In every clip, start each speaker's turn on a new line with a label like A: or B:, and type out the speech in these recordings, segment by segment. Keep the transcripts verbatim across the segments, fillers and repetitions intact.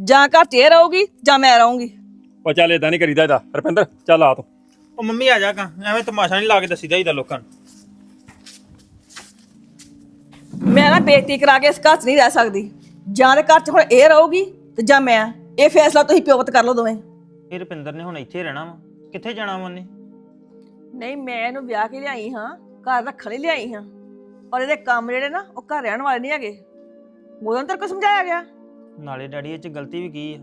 A: ਜਾਂ ਘਰ 'ਚ ਇਹ ਰਹੂਗੀ ਜਾਂ ਮੈਂ ਰਹੂੰਗੀ।
B: ਉਹ ਚੱਲ ਇਦਾਂ ਨਹੀਂ ਕਰੀਦਾ ਇਹਦਾ ਰੁਪਿੰਦਰ ਚੱਲ ਆ ਤੂੰ।
C: ਉਹ ਮੰਮੀ ਆ ਜਾ ਕਾਂ ਐਵੇਂ ਤਮਾਸ਼ਾ ਨਹੀਂ ਲਾ ਕੇ ਦੱਸੀਦਾ ਇਹਦਾ ਲੋਕਾਂ ਨੂੰ।
A: ਮੈਂ ਨਾ ਬੇਇੱਜ਼ਤੀ ਕਰਾ ਕੇ ਇਸ ਘਰ 'ਚ ਨਹੀਂ ਰਹਿ ਸਕਦੀ। ਜਾਂ ਦੇ ਘਰ 'ਚ ਹੁਣ ਇਹ ਰਹੂਗੀ ਤੇ ਜਾਂ ਮੈਂ। ਇਹ ਫੈਸਲਾ ਤੁਸੀਂ ਪਿਓਤ ਕਰ ਲਓ ਦੋਵੇਂ।
C: ਇਹ ਰੁਪਿੰਦਰ ਨੇ ਹੁਣ ਇੱਥੇ ਰਹਿਣਾ ਵਾ, ਕਿੱਥੇ ਜਾਣਾ ਵਾ ਉਹਨੇ?
A: ਨਹੀਂ, ਮੈਂ ਇਹਨੂੰ ਵਿਆਹ ਕੇ ਲਿਆਈ ਹਾਂ, ਘਰ ਰੱਖਣ ਲਈ ਲਿਆਈ ਹਾਂ। ਔਰ ਇਹਦੇ ਕੰਮ ਜਿਹੜੇ ਨਾ ਉਹ ਘਰ ਰਹਿਣ ਵਾਲੇ ਨਹੀਂ ਹੈਗੇ। ਉਦੋਂ ਤੇਰੇ ਕੋਲ ਸਮਝਾਇਆ ਗਿਆ।
C: ਨਾਲੇ ਡੈਡੀ ਇਹ ਚ ਗਲਤੀ ਵੀ ਕੀ ਆ?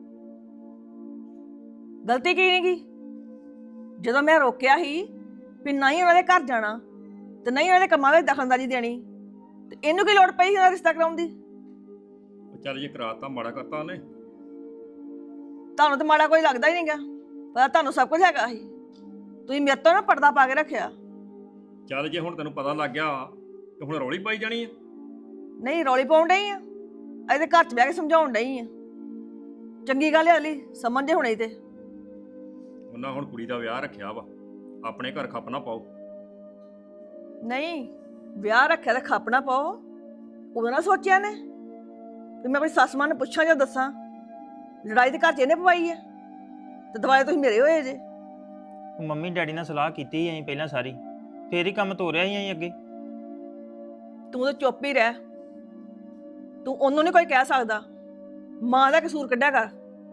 A: ਗਲਤੀ ਕੀ ਨਹੀਂ ਗੀ? ਜਦੋਂ ਮੈਂ ਰੋਕਿਆ ਸੀ ਵੀ ਨਹੀਂ ਉਹਨਾਂ ਦੇ ਘਰ ਜਾਣਾ ਤੇ ਨਹੀਂ ਉਹਨਾਂ ਦੇ ਕੰਮਾਂ ਵਿੱਚ ਦਖਲਅੰਦਾਜ਼ੀ ਦੇਣੀ, ਤੇ ਇਹਨੂੰ ਕੀ ਲੋੜ ਪਈ ਸੀ ਉਹਦਾ ਰਿਸ਼ਤਾ ਕਰਾਉਣ ਦੀ?
B: ਉਹ ਚੱਲ ਜੇ ਕਰਾਤਾ ਮਾੜਾ ਕਰਤਾ ਉਹਨੇ।
A: ਤੁਹਾਨੂੰ ਤਾਂ ਮਾੜਾ ਕੋਈ ਲੱਗਦਾ ਹੀ ਨਹੀਂਗਾ, ਪਰ ਤੁਹਾਨੂੰ ਸਭ ਕੁਝ ਹੈਗਾ ਸੀ। ਤੁਸੀਂ ਮੇਰੇ ਤੋਂ ਨਾ ਪਰਦਾ ਪਾ ਕੇ ਰੱਖਿਆ।
B: ਚੱਲ ਜੇ ਹੁਣ ਤੈਨੂੰ ਪਤਾ ਲੱਗ ਗਿਆ ਤੇ ਹੁਣ ਰੌਲੀ ਪਾਈ ਜਾਣੀ ਆ।
A: ਨਹੀਂ, ਰੌਲੀ ਪਾਉਣ ਡਈ ਆ, ਇਹਦੇ ਘਰ 'ਚ ਬਹਿ ਕੇ ਸਮਝਾਉਣ ਡਈ ਆ। ਚੰਗੀ ਗੱਲ ਹੈ ਅਲੀ, ਸਮਝਦੇ ਹੁਣੇ ਤੇ।
B: ਉਹਨਾਂ ਹੁਣ ਕੁੜੀ ਦਾ ਵਿਆਹ ਰੱਖਿਆ ਵਾ, ਆਪਣੇ ਘਰ ਖੱਪ ਨਾ ਪਾਓ।
A: ਨਹੀਂ, ਵਿਆਹ ਰੱਖਿਆ ਤਾਂ ਖੱਪ ਨਾ ਪਾਓ। ਉਦੋਂ ਨਾ ਸੋਚਿਆ ਨੇ ਵੀ ਮੈਂ ਆਪਣੀ ਸੱਸ ਮਾਂ ਨੂੰ ਪੁੱਛਾਂ ਜਾਂ ਦੱਸਾਂ। ਲੜਾਈ ਤੇ ਘਰ 'ਚ ਇਹਨੇ ਪਵਾਈ ਹੈ ਤੇ ਦੁਬਾਰਾ ਤੁਸੀਂ ਮੇਰੇ ਹੋਏ ਜੇ।
C: ਉਹ ਮੰਮੀ ਡੈਡੀ ਨਾਲ ਸਲਾਹ ਕੀਤੀ ਸੀ ਅਸੀਂ ਪਹਿਲਾਂ ਸਾਰੀ, ਫੇਰ ਹੀ ਕੰਮ ਤੋਰਿਆ ਸੀ ਅਸੀਂ ਅੱਗੇ।
A: ਤੂੰ ਤਾਂ ਚੁੱਪ ਹੀ ਰਹਿ। ਤੂੰ ਉਹਨੂੰ ਨਹੀਂ ਕੋਈ ਕਹਿ ਸਕਦਾ। ਮਾਂ ਦਾ ਕਸੂਰ ਕੱਢਿਆ ਕਰ।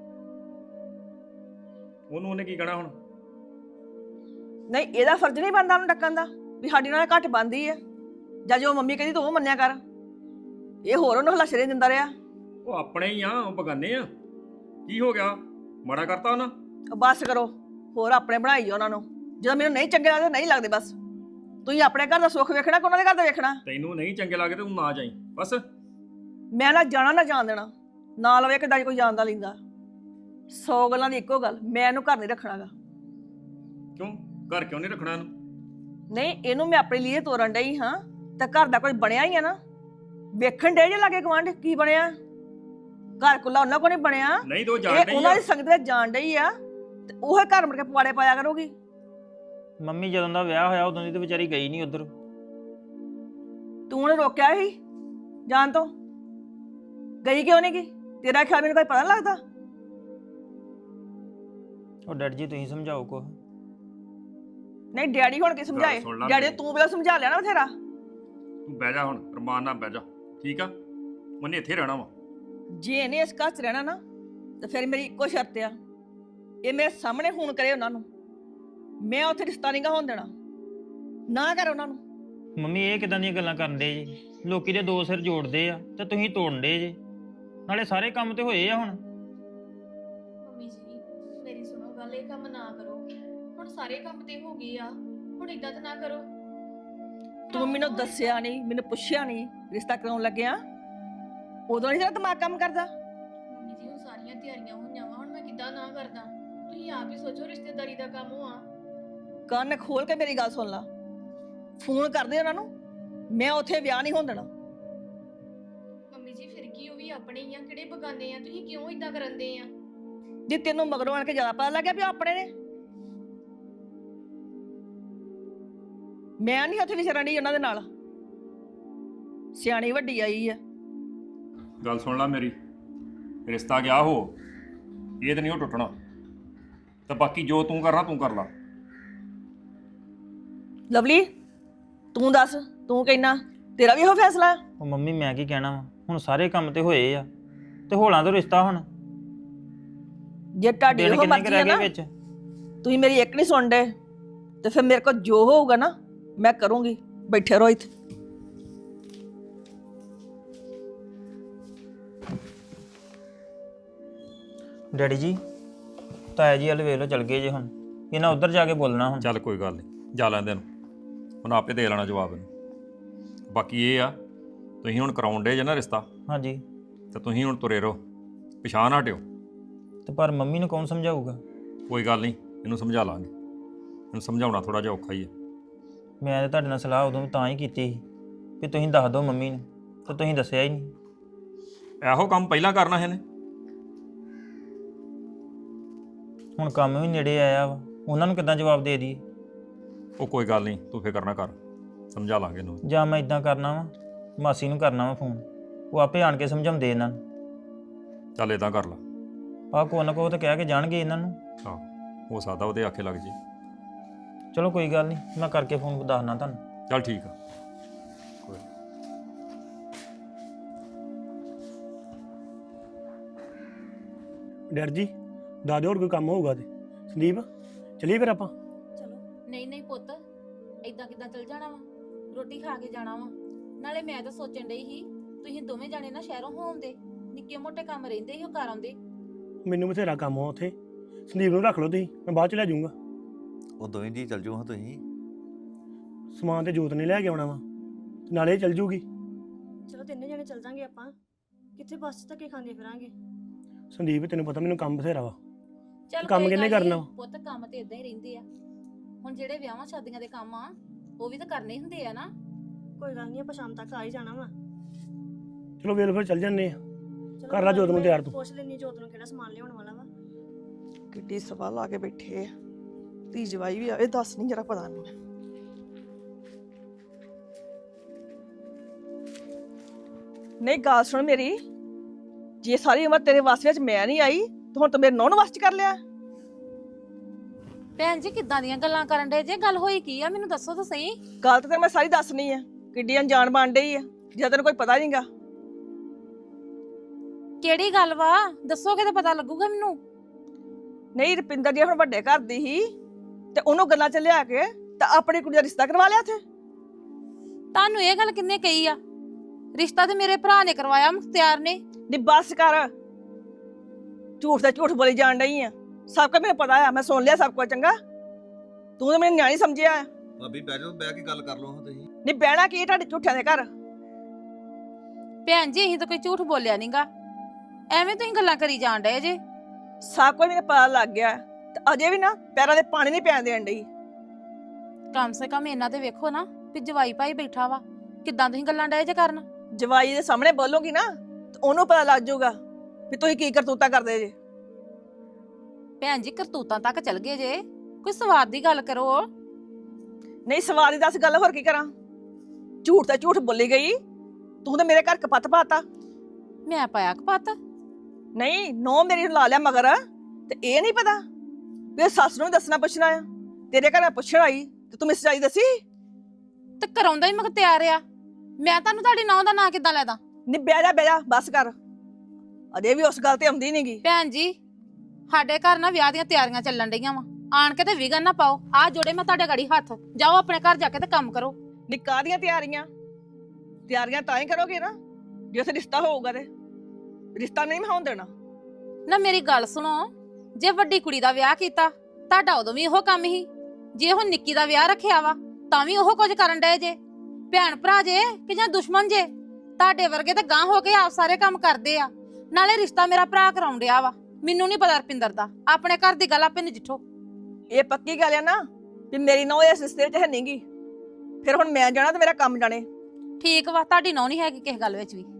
B: ਉਹਨੂੰ ਉਹਨੇ ਕੀ ਕਹਿਣਾ ਹੁਣ?
A: ਨਹੀਂ, ਇਹਦਾ ਫਰਜ਼ ਨਹੀਂ ਬਣਦਾ ਉਹਨੂੰ ਡੱਕਣ ਦਾ ਵੀ ਸਾਡੀ ਨਾਲ ਘੱਟ ਬਣਦੀ ਹੈ। ਜਾਂ ਜੋ ਮੰਮੀ ਕਹਿੰਦੀ ਤੂੰ ਉਹ ਮੰਨਿਆ ਕਰ। ਇਹ ਹੋਰ ਉਹਨੂੰ ਹਲਾਸ਼ਰੇ ਦਿੰਦਾ ਰਿਹਾ।
B: ਉਹ ਆਪਣੇ ਹੀ ਆ, ਉਹ ਬਗਾਨੇ ਆ। ਕੀ ਹੋ ਗਿਆ? ਮਾੜਾ ਕਰਤਾ ਉਹਨਾਂ?
A: ਬਸ ਕਰੋ, ਹੋਰ ਆਪਣੇ ਬਣਾਈ ਉਹਨਾਂ ਨੂੰ। ਜਦੋਂ ਮੈਨੂੰ ਨਹੀਂ ਚੰਗੇ ਲੱਗਦੇ ਨਹੀਂ ਲੱਗਦੇ। ਬਸ ਤੁਸੀਂ ਆਪਣੇ ਘਰ ਦਾ ਸੁੱਖ ਵੇਖਣਾ ਕਿ ਉਹਨਾਂ ਦੇ ਘਰ ਦਾ ਵੇਖਣਾ?
B: ਤੈਨੂੰ ਨਹੀਂ ਚੰਗੇ ਲੱਗਦੇ ਤੂੰ ਨਾ ਜਾਈ ਬਸ।
A: ਮੈਂ ਨਾ ਜਾਣਾ ਨਾ ਜਾਣ ਦੇਣਾ। ਨਾ ਲਵੇ ਕਿੱਦਾਂ ਕੋਈ ਜਾਣਦਾ ਲੈਂਦਾ। ਸੌ ਗੱਲਾਂ ਦੀ ਇੱਕੋ ਗੱਲ, ਮੈਂ ਇਹਨੂੰ ਘਰ ਨਹੀਂ ਰੱਖਣਾਗਾ।
B: ਕਿਉਂ ਘਰ ਕਿਉਂ ਨਹੀਂ ਰੱਖਣਾ ਇਹਨੂੰ?
A: ਨਹੀਂ, ਇਹਨੂੰ ਮੈਂ ਆਪਣੇ ਲਈ ਤੋਰਨ ਡਈ ਹਾਂ ਤਾਂ ਘਰ ਦਾ ਕੁਝ ਬਣਿਆ ਹੀ ਆ ਨਾ। ਵੇਖਣ ਡੇ ਜੇ ਲਾਗੇ ਗਵਾਂਢ ਕੀ ਬਣਿਆ। ਘਰ ਕੁੱਲਾ ਉਹਨਾਂ ਕੋਲ ਨਹੀਂ ਬਣਿਆ।
B: ਨਹੀਂ ਤੂੰ ਜਾਣ
A: ਇਹ
B: ਡਈ
A: ਉਹਨਾਂ
B: ਆ।
A: ਦੀ ਸੰਗਤ ਵਿੱਚ ਜਾਣ ਡਈ ਆ ਤੇ ਉਹ ਘਰ ਮੁੜ ਕੇ ਪਵਾੜੇ ਪਾਇਆ ਕਰੂਗੀ।
C: ਮੰਮੀ ਜਦੋਂ ਦਾ ਵਿਆਹ ਹੋਇਆ ਉਦੋਂ ਦੀ ਤੇ ਵਿਚਾਰੀ ਗਈ ਨਹੀਂ ਉਧਰ।
A: ਤੂੰ ਉਹਨੇ ਰੋਕਿਆ ਸੀ ਜਾਣ ਤੋਂ? ਗਈ ਕਿਉਂ ਨਹੀਂ ਗਈ? ਤੇਰਾ ਖਿਆਲ ਮੈਨੂੰ ਕੋਈ ਪਤਾ ਨੀ ਲੱਗਦਾ?
C: ਉਹ ਡੈਡੀ ਜੀ ਤੁਸੀਂ ਸਮਝਾਓ ਕੁਛ।
A: ਨਹੀਂ, ਡੈਡੀ ਹੁਣ ਕੀ ਸਮਝਾਏ?
B: ਸੁਣ ਲਾ
A: ਡੈਡੀ
B: ਮੇਰੀ।
A: ਤੂੰ ਪਹਿਲਾਂ ਸਮਝਾ ਲਿਆ ਨਾ ਬਥੇਰਾ।
B: ਤੂੰ ਬਹਿ ਜਾ ਹੁਣ, ਰਮਾਨ ਨਾਲ ਬਹਿ ਜਾ, ਠੀਕ ਆ? ਉਹਨੇ ਇੱਥੇ ਰਹਿਣਾ ਵਾ।
A: ਜੇ ਇਹਨੇ ਇਸ ਘਰ 'ਚ ਰਹਿਣਾ ਨਾ ਤਾਂ ਫਿਰ ਮੇਰੀ ਇੱਕੋ ਸ਼ਰਤ ਆ, ਇਹ ਮੇਰੇ ਸਾਹਮਣੇ ਫੋਨ ਕਰੇ ਉਹਨਾਂ ਨੂੰ। ਮੈਂ ਉੱਥੇ ਰਿਸ਼ਤਾ ਨਹੀਂ ਗਾ ਹੋਣ ਦੇਣਾ। ਨਾ ਕਰ ਉਹਨਾਂ ਨੂੰ।
C: ਮੰਮੀ ਇਹ ਕਿਦਾਂ ਦੀਆਂ ਗੱਲਾਂ ਕਰਨ ਡੇ ਜੀ? ਲੋਕੀ ਦੇ ਦੋ ਸਿਰ ਜੋੜਦੇ ਆ ਤੇ ਤੁਸੀਂ ਤੋੜਨ ਡੇ ਜੇ। ਨਾਲੇ ਸਾਰੇ ਕੰਮ ਤੇ ਹੋਏ ਆ ਹੁਣ।
D: ਮੰਮੀ ਜੀ ਮੇਰੀ ਸੁਣੋ ਗੱਲ, ਇਹ ਕੰਮ ਨਾ ਕਰੋ। ਹੁਣ ਸਾਰੇ ਕੰਮ ਤੇ ਹੋ ਗਏ ਆ, ਹੁਣ ਇਦਾਂ ਤਾਂ ਨਾ ਕਰੋ।
A: ਤੂੰ ਮੈਨੂੰ ਦੱਸਿਆ ਨਹੀਂ, ਮੈਨੂੰ ਪੁੱਛਿਆ ਨਹੀਂ ਰਿਸ਼ਤਾ ਕਰਾਉਣ ਲੱਗਿਆ। ਉਦੋਂ ਨਹੀਂ ਤੇਰਾ ਦਿਮਾਗ ਕੰਮ ਕਰਦਾ?
D: ਮੰਮੀ ਜੀ ਹੁਣ ਸਾਰੀਆਂ ਤਿਆਰੀਆਂ ਹੋਈਆਂ ਵਾ, ਹੁਣ ਮੈਂ ਕਿੱਦਾਂ ਨਾ ਕਰਦਾ? ਤੁਸੀਂ ਆਪ ਹੀ ਸੋਚੋ, ਰਿਸ਼ਤੇਦਾਰੀ ਦਾ ਕੰਮ ਹੋਆ।
A: ਕੰਨ ਖੋਲ ਕੇ ਮੇਰੀ ਗੱਲ ਸੁਣ ਲਾ। ਫੋਨ ਕਰਦੇ ਉਹਨਾਂ ਨੂੰ, ਮੈਂ ਉੱਥੇ ਵਿਆਹ ਨਹੀਂ ਹੋਣ ਦੇਣਾ।
D: ਮੰਮੀ ਜੀ ਫਿਰ ਕੀ, ਉਹ ਵੀ ਆਪਣੇ ਹੀ ਆ, ਕਿਹੜੇ ਬਗਾਨੇ ਆ? ਤੁਸੀਂ ਕਿਉਂ ਇਦਾਂ ਕਰਨਦੇ ਆ?
A: ਜੇ ਤੈਨੂੰ ਮਗਰੋਂ ਆਣ ਕੇ ਜ਼ਿਆਦਾ ਪਤਾ ਲੱਗਿਆ ਵੀ ਉਹ ਆਪਣੇ ਨੇ। ਮੈਂ ਨਹੀਂ ਉੱਥੇ ਵਿਚਰਨ ਡਈ ਉਹਨਾਂ ਦੇ ਨਾਲ। ਸਿਆਣੀ ਵੱਡੀ ਆਈ ਆ।
B: ਗੱਲ ਸੁਣ ਲੈ ਮੇਰੀ, ਰਿਸ਼ਤਾ ਗਿਆ ਹੋ, ਇਹ ਤੇ ਨਹੀਂ ਉਹ ਟੁੱਟਣਾ। ਤੇ ਬਾਕੀ ਜੋ ਤੂੰ ਕਰਨਾ ਤੂੰ ਕਰ ਲਾ।
A: ਲਵਲੀ, ਤੂੰ ਦੱਸ, ਤੂੰ ਕਹਿਣਾ ਤੇਰਾ ਵੀ ਇਹੋ ਫੈਸਲਾ?
C: ਉਹ ਮੰਮੀ ਮੈਂ ਕੀ ਕਹਿਣਾ ਵਾ, ਹੁਣ ਸਾਰੇ ਕੰਮ ਤੇ ਹੋਏ ਆ ਤੇ ਹੋਲਾਂ ਤੋਂ ਰਿਸ਼ਤਾ ਹੁਣ
A: ਜੇ ਤੁਹਾਡੀ
C: ਦਿਨ
A: ਇਹੋ
C: ਕਿੰਨੇ ਕੁ
A: ਮਰਜ਼ੀ ਆ
C: ਰਹਿ
A: ਨਾ,
C: ਗਏ ਵਿੱਚ?
A: ਤੁਸੀਂ ਮੇਰੀ ਇੱਕ ਨਹੀਂ ਸੁਣਦੇ ਤੇ ਫਿਰ ਮੇਰੇ ਕੋਲ ਜੋ ਹੋਊਗਾ ਨਾ ਮੈਂ ਕਰੂੰਗੀ। ਬੈਠੇ ਰਹੋ ਇੱਥੇ।
C: ਡੈਡੀ ਜੀ ਤਾਇਆ ਜੀ ਵਾਲੇ ਵੇਖ ਲਓ ਚਲ ਗਏ ਜੇ। ਹੁਣ ਇਹਨਾਂ ਉੱਧਰ ਜਾ ਕੇ ਬੋਲਣਾ ਹੁਣ।
B: ਚੱਲ ਕੋਈ ਗੱਲ ਨਹੀਂ, ਜਾ ਲੈਂਦੇ ਨੂੰ, ਹੁਣ ਆਪੇ ਦੇ ਲੈਣਾ ਜਵਾਬ ਇਹਨੂੰ। ਬਾਕੀ ਇਹ ਆ, ਤੁਸੀਂ ਹੁਣ ਕਰਾਉਣ ਡੇ ਜੇ ਨਾ ਰਿਸ਼ਤਾ,
C: ਹਾਂਜੀ
B: ਤੇ ਤੁਸੀਂ ਹੁਣ ਤੁਰੇ ਰਹੋ, ਪਿਛਾਂਹ ਨਾ ਹਟਿਓ।
C: ਤੇ ਪਰ ਮੰਮੀ ਨੂੰ ਕੌਣ ਸਮਝਾਊਗਾ?
B: ਕੋਈ ਗੱਲ ਨਹੀਂ, ਇਹਨੂੰ ਸਮਝਾ ਲਾਂਗੇ। ਇਹਨੂੰ ਸਮਝਾਉਣਾ ਥੋੜਾ ਜਿਹਾ ਔਖਾ ਹੀ ਹੈ।
C: ਮੈਂ ਤਾਂ ਤੁਹਾਡੇ ਨਾਲ ਸਲਾਹ ਉਦੋਂ ਤਾਂ ਹੀ ਕੀਤੀ ਸੀ ਵੀ ਤੁਸੀਂ ਦੱਸ ਦਿਓ ਮੰਮੀ ਨੂੰ, ਤੇ ਤੁਸੀਂ ਦੱਸਿਆ ਹੀ ਨਹੀਂ।
B: ਇਹੋ ਕੰਮ ਪਹਿਲਾਂ ਕਰਨਾ ਇਹਨੇ।
C: ਹੁਣ ਕੰਮ ਵੀ ਨੇੜੇ ਆਇਆ ਵਾ, ਉਹਨਾਂ ਨੂੰ ਕਿੱਦਾਂ ਜਵਾਬ ਦੇ ਦਈਏ?
B: ਉਹ ਕੋਈ ਗੱਲ ਨਹੀਂ, ਤੂੰ ਫਿਕਰ ਨਾ ਕਰ, ਸਮਝਾ ਲਾਂਗੇ ਇਹਨੂੰ।
C: ਜਾਂ ਮੈਂ ਇਦਾਂ ਕਰਨਾ ਵਾ, ਮਾਸੀ ਨੂੰ ਕਰਨਾ ਵਾ ਫੋਨ, ਉਹ ਆਪੇ ਆਣ ਕੇ ਸਮਝਾਉਂਦੇ ਇਹਨਾਂ ਨੂੰ।
B: ਚੱਲ ਇਦਾਂ ਕਰ ਲਾ।
C: ਆ ਕੋ ਨਾ ਕੋ ਤਾਂ ਕਹਿ ਕੇ ਜਾਣਗੇ ਇਹਨਾਂ ਨੂੰ।
B: ਹਾਂ ਹੋ ਸਕਦਾ ਉਹਦੇ ਆਖੇ ਲੱਗ ਜੇ।
C: ਚਲੋ ਕੋਈ ਗੱਲ ਨਹੀਂ, ਮੈਂ ਕਰਕੇ ਫੋਨ ਦੱਸਣਾ ਤੁਹਾਨੂੰ।
B: ਚੱਲ ਠੀਕ ਆ। ਕੋਈ
E: ਡੈਡ ਜੀ ਦੱਸ ਦਿਓ ਹੋਰ ਕੋਈ ਕੰਮ ਹੋਊਗਾ ਤੇ। ਸੰਦੀਪ ਚਲੀਏ ਫਿਰ ਆਪਾਂ।
F: ਚਲੋ ਨਹੀਂ ਨਹੀਂ ਪੁੱਤ, ਏਦਾਂ ਕਿੱਦਾਂ ਚਲ ਜਾਣਾ ਵਾ? ਰੋਟੀ ਖਾ ਕੇ ਜਾਣਾ ਵਾ। ਨਾਲੇ ਮੈਂ ਤਾਂ ਸੋਚਣ ਡਈ ਸੀ ਤੁਸੀਂ ਦੋਵੇਂ ਜਾਣੇ ਨਾ ਸ਼ਹਿਰੋਂ ਹੋਉਂਦੇ, ਨਿੱਕੇ ਮੋਟੇ ਕੰਮ ਰਹਿੰਦੇ ਸੀ ਉਹ ਕਰ ਆਉਂਦੇ।
E: ਮੈਨੂੰ ਬਥੇਰਾ ਕੰਮ ਆ ਉੱਥੇ। ਸੰਦੀਪ ਨੂੰ ਰੱਖ ਲਓ ਤੁਸੀਂ, ਮੈਂ ਬਾਅਦ ਚ ਲੈ ਜਾਊਂਗਾ।
G: ਉਹ ਦੋਵੇਂ ਜੀ ਚੱਲ ਜਾਓ ਹਾਂ ਤੁਸੀਂ।
E: ਸਮਾਨ ਤੇ ਜੋਤ ਨੇ ਲੈ ਕੇ ਆਉਣਾ ਵਾ, ਤੇ ਨਾਲੇ ਇਹ ਚੱਲ ਜੂਗੀ।
H: ਚਲੋ ਤਿੰਨੇ ਜਣੇ ਚੱਲ ਜਾਾਂਗੇ ਆਪਾਂ। ਕਿੱਥੇ ਬੱਸ 'ਚ ਧੱਕੇ ਖਾਂਦੇ ਫਿਰਾਂਗੇ।
E: ਸੰਦੀਪ ਤੈਨੂੰ ਪਤਾ ਮੈਨੂੰ ਕੰਮ ਬਥੇਰਾ ਵਾ।
F: ਚੱਲ
E: ਕੰਮ
F: ਕੋਈ
E: ਕਿਹਨੇ
F: ਗੱਲ ਨੀ,
E: ਕਰਨਾ ਵਾ?
F: ਪੁੱਤ ਕੰਮ ਤੇ ਇਦਾਂ ਹੀ ਰਹਿੰਦੇ ਆ। ਹੁਣ ਜਿਹੜੇ ਵਿਆਹਾਂ ਸ਼ਾਦੀਆਂ ਦੇ ਕੰਮ ਆ ਉਹ ਵੀ ਤਾਂ ਕਰਨੇ ਹੁੰਦੇ ਆ ਨਾ।
H: ਕੋਈ ਗੱਲ ਨਹੀਂ, ਆਪਾਂ ਸ਼ਾਮ ਤੱਕ ਆ ਹੀ ਜਾਣਾ ਵਾ।
E: ਚਲੋ ਵੇਲ ਫਿਰ ਚੱਲ ਜੰਨੇ ਆ।
H: ਚਲੋ
E: ਕਰ ਲਾ ਜੋਤ ਨੂੰ
H: ਮੈਂ
E: ਤਿਆਰ ਤੂੰ।
H: ਪੁੱਛ ਲੈਣੀ ਜੋਤ ਨੂੰ ਕਿਹੜਾ ਸਮਾਨ ਲਿਆਉਣ ਵਾਲਾ ਵਾ।
A: ਕਿੱਡੀ ਸਵਾਲ ਲਾ ਕੇ ਬੈਠੇ ਆ। ਧੀ ਜਵਾਈ ਵੀ ਆਵੇ, ਦੱਸ ਨਹੀਂ ਜਰਾ ਪਤਾ ਨਹੀਂ। ਨਹੀਂ ਗੱਲ ਸੁਣ ਮੇਰੀ, ਜੇ ਸਾਰੀ ਉਮਰ ਤੇਰੇ ਵਾਸ ਵਿੱਚ ਮੈਂ ਨਹੀਂ ਆਈ ਤਾਂ ਹੁਣ ਤੂੰ ਮੇਰੇ ਨੌਨ ਵਾਸ ਚ ਕਰ ਲਿਆ।
F: ਭੈਣ ਜੀ ਕਿੱਦਾਂ ਦੀਆਂ ਗੱਲਾਂ ਕਰਨ ਡੇ ਜੇ? ਗੱਲ ਹੋਈ ਕੀ ਆ ਮੈਨੂੰ ਦੱਸੋ ਤਾਂ ਸਹੀ।
A: ਗੱਲ ਤਾਂ ਤੈਨੂੰ ਮੈਂ ਸਾਰੀ ਦੱਸਣੀ ਆ। ਕਿੱਡੀ ਅਣਜਾਣ ਬਣ ਡਈ ਆ, ਜੇ ਤੈਨੂੰ ਕੋਈ ਪਤਾ ਨਹੀਂਗਾ।
F: ਕਿਹੜੀ ਗੱਲ ਵਾ? ਦੱਸੋਗੇ ਤਾਂ ਪਤਾ ਲੱਗੂਗਾ ਮੈਨੂੰ।
A: ਨਹੀਂ ਰੁਪਿੰਦਰ ਜੀ ਹੁਣ ਵੱਡੇ ਘਰ ਦੀ ਸੀ ਤੇ ਉਹਨੂੰ ਗੱਲਾਂ ਚ ਲਿਆ ਕੇ ਤਾਂ ਆਪਣੀ ਕੁੜੀ ਦਾ ਰਿਸ਼ਤਾ ਕਰਵਾ ਲਿਆ ਇੱਥੇ।
F: ਤੁਹਾਨੂੰ ਇਹ ਗੱਲ ਕਿੰਨੇ ਕਹੀ ਆ? ਰਿਸ਼ਤਾ ਤੇ ਮੇਰੇ ਭਰਾ ਨੇ ਕਰਵਾਇਆ, ਮੁਖਤਿਆਰ ਨੇ।
A: ਨੀ ਬਸ ਕਰ, ਝੂਠ ਦਾ ਝੂਠ ਬੋਲੀ ਜਾਣ ਡਈ ਆ। ਸਭ ਕੁਝ ਮੈਨੂੰ ਪਤਾ ਆ, ਮੈਂ ਸੁਣ ਲਿਆ ਸਭ ਕੁਝ। ਚੰਗਾ ਤੂੰ ਤਾਂ ਮੈਨੂੰ ਨਿਆਣੀ ਸਮਝਿਆ।
G: ਭਾਬੀ ਬਹਿ ਜਾਓ, ਬਹਿ ਕੇ ਗੱਲ ਕਰ ਲਓ ਹਾਂ ਤੁਸੀਂ।
A: ਨੀ ਬਹਿਣਾ ਕੀ ਤੁਹਾਡੇ ਝੂਠਿਆਂ ਦੇ ਘਰ?
F: ਭੈਣ ਜੀ ਅਸੀਂ ਤਾਂ ਕੋਈ ਝੂਠ ਬੋਲਿਆ ਨਹੀਂਗਾ, ਐਵੇਂ ਤੁਸੀਂ ਗੱਲਾਂ ਕਰੀ ਜਾਣ ਡਏ ਜੇ।
A: ਸਭ ਕੁਝ ਮੈਨੂੰ ਪਤਾ ਲੱਗ ਗਿਆ ਤੇ ਅਜੇ ਵੀ ਨਾ ਪੈਰਾਂ ਦੇ ਪਾਣੀ ਨਹੀਂ ਪੈਣ ਦੇਣ ਡਈ।
F: ਕਮ ਸੇ ਕਮ ਇਹਨਾਂ ਤੇ ਵੇਖੋ ਨਾ ਵੀ ਜਵਾਈ ਭਾਈ ਬੈਠਾ ਵਾ, ਕਿੱਦਾਂ ਤੁਸੀਂ ਗੱਲਾਂ ਡਏ ਜੇ ਕਰਨ।
A: ਜਵਾਈ ਦੇ ਸਾਹਮਣੇ ਬੋਲੋਗੀ ਨਾ ਤੇ ਉਹਨੂੰ ਪਤਾ ਲੱਗ ਜਾਊਗਾ ਵੀ ਤੁਸੀਂ ਕੀ ਕਰਤੂਤਾ ਕਰਦੇ ਜੇ।
F: ਭੈਣ ਜੀ ਕਰਤੂਤਾਂ ਤੱਕ ਚਲ ਗਏ ਜੇ, ਕੋਈ ਸਵਾਦ ਦੀ ਗੱਲ ਕਰੋ।
A: ਨਹੀਂ ਸਵਾਦ ਦੀ ਦੱਸ ਗੱਲ, ਹੋਰ ਕੀ ਕਰਾਂ? ਝੂਠ ਤਾਂ ਝੂਠ ਬੋਲੀ ਗਈ। ਤੂੰ ਤਾਂ ਮੇਰੇ ਘਰ ਕਪੱਤ ਪਾਤਾ।
F: ਮੈਂ ਪਾਇਆ ਕਪੱਤ?
A: ਨਹੀਂ ਨੋ ਮੇਰੀ ਨੂੰ ਲਾ ਲਿਆ ਮਗਰ, ਤੇ ਇਹ ਨਹੀਂ ਪਤਾ ਵੀ ਸੱਸ ਨੂੰ ਵੀ ਦੱਸਣਾ ਪੁੱਛਣਾ ਆ। ਤੇਰੇ ਘਰ ਮੈਂ ਪੁੱਛਣ ਆਈ ਤੇ ਤੂੰ ਮਿਸ ਜਾਈ ਦੱਸੀ।
F: ਤੇ ਕਰਾਉਂਦਾ ਹੀ ਮੁਖਤਿਆਰ ਆ। ਮੈਂ ਤੁਹਾਨੂੰ ਤੁਹਾਡੀ ਨੌਂ ਦਾ ਨਾਂ ਕਿੱਦਾਂ ਲੈਦਾ?
A: ਨੀ ਬਹਿ ਜਾ ਬਹਿ ਜਾ ਬਸ ਕਰ। ਅਜੇ ਵੀ ਉਸ ਗੱਲ ਤੇ ਆਉਂਦੀ ਨਹੀਂਗੀ।
F: ਭੈਣ ਜੀ ਸਾਡੇ ਘਰ ਨਾ ਵਿਆਹ ਦੀਆਂ ਤਿਆਰੀਆਂ ਚੱਲਣ ਡਈਆਂ ਵਾ, ਆਣ ਕੇ ਤੇ ਵਿਗਨ ਨਾ ਪਾਓ। ਆ ਜੋੜੇ ਮੈਂ ਤੁਹਾਡੇ ਗਾੜੀ ਹੱਥ, ਜਾਓ ਆਪਣੇ ਘਰ ਜਾ ਕੇ ਤੇ ਕੰਮ ਕਰੋ।
A: ਨਿੱਕਾ ਦੀਆਂ ਤਿਆਰੀਆਂ ਤਿਆਰੀਆਂ ਤਾਂ ਹੀ ਕਰੋਗੇ ਨਾ ਜੇ ਉੱਥੇ ਰਿਸ਼ਤਾ ਹੋਊਗਾ। ਤੇ ਰਿਸ਼ਤਾ ਨਹੀਂ ਮੈਂ ਹੋਣ ਦੇਣਾ।
F: ਨਾ ਮੇਰੀ ਗੱਲ ਸੁਣੋ, ਜੇ ਵੱਡੀ ਕੁੜੀ ਦਾ ਵਿਆਹ ਕੀਤਾ ਤੁਹਾਡਾ ਉਦੋਂ ਵੀ ਇਹੋ ਕੰਮ ਹੀ। ਜੇ ਹੁਣ ਨਿੱਕੀ ਦਾ ਵਿਆਹ ਰੱਖਿਆ ਵਾ ਤਾਂ ਵੀ ਉਹ ਕੁਝ ਕਰਨ ਡਏ ਜੇ। ਭੈਣ ਭਰਾ ਜੇ ਕਿ ਜਾਂ ਦੁਸ਼ਮਣ ਜੇ? ਤੁਹਾਡੇ ਵਰਗੇ ਤਾਂ ਗਾਂ ਹੋ ਕੇ ਆਪ ਸਾਰੇ ਕੰਮ ਕਰਦੇ ਆ। ਨਾਲੇ ਰਿਸ਼ਤਾ ਮੇਰਾ ਭਰਾ ਕਰਾਉਣ ਡਿਆ ਵਾ, ਮੈਨੂੰ ਨਹੀਂ ਪਤਾ ਰਪਿੰਦਰ ਦਾ। ਆਪਣੇ ਘਰ ਦੀ ਗੱਲ ਆਪੇ ਨਜਿੱਠੋ।
A: ਇਹ ਪੱਕੀ ਗੱਲ ਆ ਨਾ ਵੀ ਮੇਰੀ ਨੌ ਇਸ ਰਿਸ਼ਤੇ ਵਿੱਚ ਹੈ ਨਹੀਂਗੀ। ਫਿਰ ਹੁਣ ਮੈਂ ਜਾਣਾ ਤੇ ਮੇਰਾ ਕੰਮ ਜਾਣੇ।
F: ਠੀਕ ਵਾ, ਤੁਹਾਡੀ ਨੌ ਨਹੀਂ ਹੈਗੀ ਕਿਸੇ ਗੱਲ ਵਿੱਚ ਵੀ।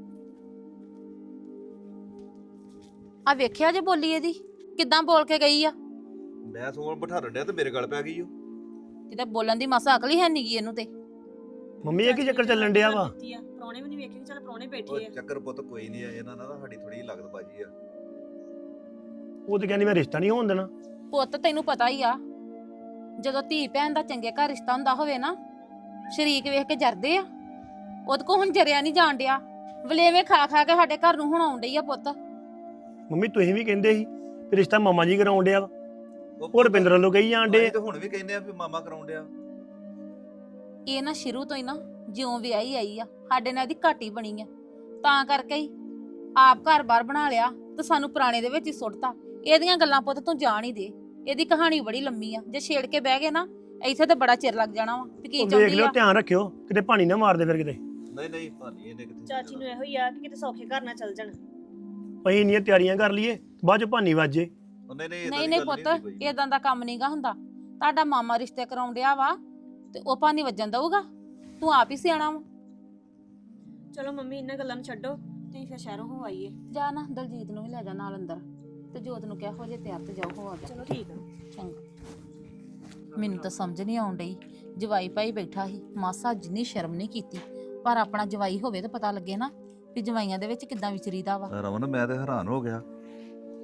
F: ਆ ਵੇਖਿਆ ਜੇ ਬੋਲੀ ਇਹਦੀ ਕਿੱਦਾਂ ਬੋਲ ਕੇ ਗਈ ਆ।
G: ਮੈਂ ਸੋਣ ਬਿਠਾ ਡਿਆ ਤੇ ਮੇਰੇ ਗੱਲ ਪੈ ਗਈ ਉਹ।
F: ਕਿਤੇ ਬੋਲਣ ਦੀ ਮਸਾ ਅਕਲ ਹੀ ਹੈ ਨਹੀਂਗੀ ਇਹਨੂੰ ਤੇ।
E: ਮੰਮੀ ਇਹ ਕੀ ਚੱਕਰ ਚੱਲਣ ਡਿਆ ਵਾ?
H: ਪ੍ਰਾਹੁਣੇ ਵੀ ਨਹੀਂ ਵੇਖੇ, ਚੱਲ ਪ੍ਰਾਹੁਣੇ
G: ਉਹ
H: ਬੈਠੇ ਆ।
G: ਚੱਕਰ ਪੁੱਤ ਕੋਈ ਨਹੀਂ ਆ, ਇਹਨਾਂ ਨਾਲ ਨਾ ਸਾਡੀ ਥੋੜੀ ਲੱਗਦ ਬਾਜੀ ਆ।
E: ਉਹ ਤੇ ਕਹਿੰਦੀ ਮੈਂ ਰਿਸ਼ਤਾ ਨਹੀਂ ਹੋਣ ਦੇਣਾ।
F: ਪੁੱਤ ਤੈਨੂੰ ਪਤਾ ਹੀ ਆ, ਜਦੋਂ ਧੀ ਭੈਣ ਦਾ ਚੰਗੇ ਘਰ ਰਿਸ਼ਤਾ ਹੁੰਦਾ ਹੋਵੇ ਨਾ, ਸ਼ਰੀਕ ਵੇਖ ਕੇ ਜਰਦੇ ਆ। ਉਹਦੇ ਕੋ ਹੁਣ ਜਰਿਆ ਨਹੀਂ ਜਾਣ ਡਿਆ, ਵਲੇਵੇਂ ਖਾ ਖਾ ਕੇ ਸਾਡੇ ਘਰ ਨੂੰ ਹੁਣ ਆਉਣ ਡਈ ਆ ਪੁੱਤ।
E: ਮੰਮੀ ਤੁਸੀਂ ਵੀ ਕਹਿੰਦੇ ਸੀ ਵੀ ਰਿਸ਼ਤਾ ਮਾਮਾ ਜੀ ਕਰਾਉਣ ਡਿਆ ਵਾ।
G: ਉਹ
E: ਉਹ ਰੁਪਿੰਦਰ ਵੱਲੋਂ ਕਹੀ ਜਾਣ ਡੇ।
G: ਅਸੀਂ ਤੇ ਹੁਣ ਵੀ ਕਹਿੰਦੇ ਆ ਵੀ ਮਾਮਾ ਕਰਾਉਣ ਡਿਆ।
F: ਇਹ ਨਾ ਸ਼ੁਰੂ ਤੋਂ ਹੀ ਨਾ ਜਿਉਂ ਵਿਆਹੀ ਆਈ ਆ ਸਾਡੇ ਨਾਲ ਇਹਦੀ ਘਾਟੀ ਬਣੀ ਆ, ਤਾਂ ਕਰਕੇ ਹੀ ਆਪ ਘਰ-ਬਾਰ ਬਣਾ ਲਿਆ ਤੇ ਸਾਨੂੰ ਪੁਰਾਣੇ ਦੇ ਵਿੱਚ ਹੀ ਸੁੱਟਤਾ। ਇਹਦੀਆਂ ਗੱਲਾਂ ਪੁੱਤ ਤੂੰ ਜਾਣ ਹੀ ਦੇ, ਇਹਦੀ ਕਹਾਣੀ ਬੜੀ ਲੰਮੀ ਆ। ਜੇ ਛੇੜ ਕੇ ਬਹਿ ਗਏ ਨਾ ਇੱਥੇ ਤੇ ਬੜਾ ਚਿਰ ਲੱਗ ਜਾਣਾ ਵਾ ਵੀ ਕੀ
E: ਉਹ ਵੇਖ
F: ਚਾਹੁੰਦੀ
E: ਲਿਓ,
F: ਆ।
E: ਧਿਆਨ ਰੱਖਿਓ ਕਿਤੇ ਪਾਣੀ ਨਾ ਮਾਰਦੇ ਫਿਰ ਕਿਤੇ।
G: ਨਹੀਂ ਨਹੀਂ ਭਾਨੀ ਇਹਨੇ ਕਿੱਥੇ
H: ਚਾਚੀ ਨੂੰ ਇਹੋ ਹੀ ਆ ਕਿ ਕਿਤੇ ਸੌਖੇ ਘਰ ਨਾ ਚੱਲ ਜਾਣ।
E: ਅਸੀਂ ਇੰਨੀਆਂ ਤਿਆਰੀਆਂ ਕਰ ਲਈਏ ਬਾਅਦ ਚ ਭਾਨੀ ਵੱਜੇ।
G: ਨਹੀਂ ਨਹੀਂ
F: ਨਹੀਂ ਨਹੀਂ ਪੁੱਤ ਇਦਾਂ ਦਾ ਕੰਮ ਨਹੀਂਗਾ ਹੁੰਦਾ। ਤੁਹਾਡਾ ਮਾਮਾ ਰਿਸ਼ਤੇ ਕਰਾਉਣ ਡਿਆ ਵਾ ਤੇ ਉਹ ਪਾਣੀ ਵੱਜਣ ਦਊਗਾ? ਤੂੰ ਆਪ ਹੀ ਸਿਆਣਾ ਵਾ।
H: ਚਲੋ ਮੰਮੀ ਇਹਨਾਂ ਗੱਲਾਂ ਨੂੰ ਛੱਡੋ, ਤੁਸੀਂ ਫਿਰ ਸ਼ਹਿਰੋਂ ਹੋ ਆਈਏ।
F: ਜਾ ਨਾ ਦਲਜੀਤ ਨੂੰ ਵੀ ਲੈ ਜਾ ਨਾਲ ਅੰਦਰ ਤੇ ਜੋਤ ਨੂੰ ਕਿਹਾ ਹੋ ਜੇ ਤਿਆਰ ਤੇ ਜਾਓ ਹੋ ਆ ਜਾ।
H: ਚਲੋ ਠੀਕ ਆ।
F: ਚੰਗਾ। ਮੈਨੂੰ ਤਾਂ ਸਮਝ ਨਹੀਂ ਆਉਣ ਡਈ, ਜਵਾਈ ਭਾਈ ਬੈਠਾ ਸੀ, ਮਾਸਾ ਜਿੰਨੀ ਸ਼ਰਮ ਨਹੀਂ ਕੀਤੀ। ਪਰ ਆਪਣਾ ਜਵਾਈ ਹੋਵੇ ਤਾਂ ਪਤਾ ਲੱਗੇ ਨਾ ਵੀ ਜਵਾਈਆਂ ਦੇ ਵਿੱਚ ਕਿੱਦਾਂ ਵਿਚਰੀਦਾ ਵਾ।
G: ਰਮਨ ਮੈਂ ਤੇ ਹੈਰਾਨ ਹੋ ਗਿਆ